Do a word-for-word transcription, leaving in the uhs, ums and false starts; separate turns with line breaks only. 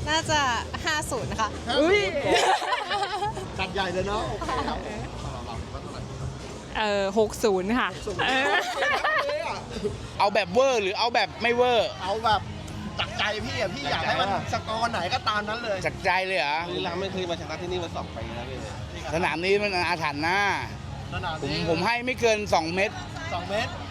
น่าจะห้าศูนย์ค่ะ
อุ้ย
จัดใหญ่เลยเนาะโอเคครับเราเราว่าเท่าไหร่
เออหกศูนย์ค่ะเออ
เอาแบบเวอร์หรือเอาแบบไม่เวอร์
เอาแบบจากใจพี่อะพี่อยากให้มันสกอร์ไหนก็ตามนั้นเลย
จากใจเลยเหรอ
บุรีรัมย์ไม่เคยมาชนะที่นี่มาสองปีแล้วพี่
สนามนี้มันอาถรรพ์นะ
สนาม
ผม
นี้
ผมให้ไม่เกินสองเม็ด
สองเมตร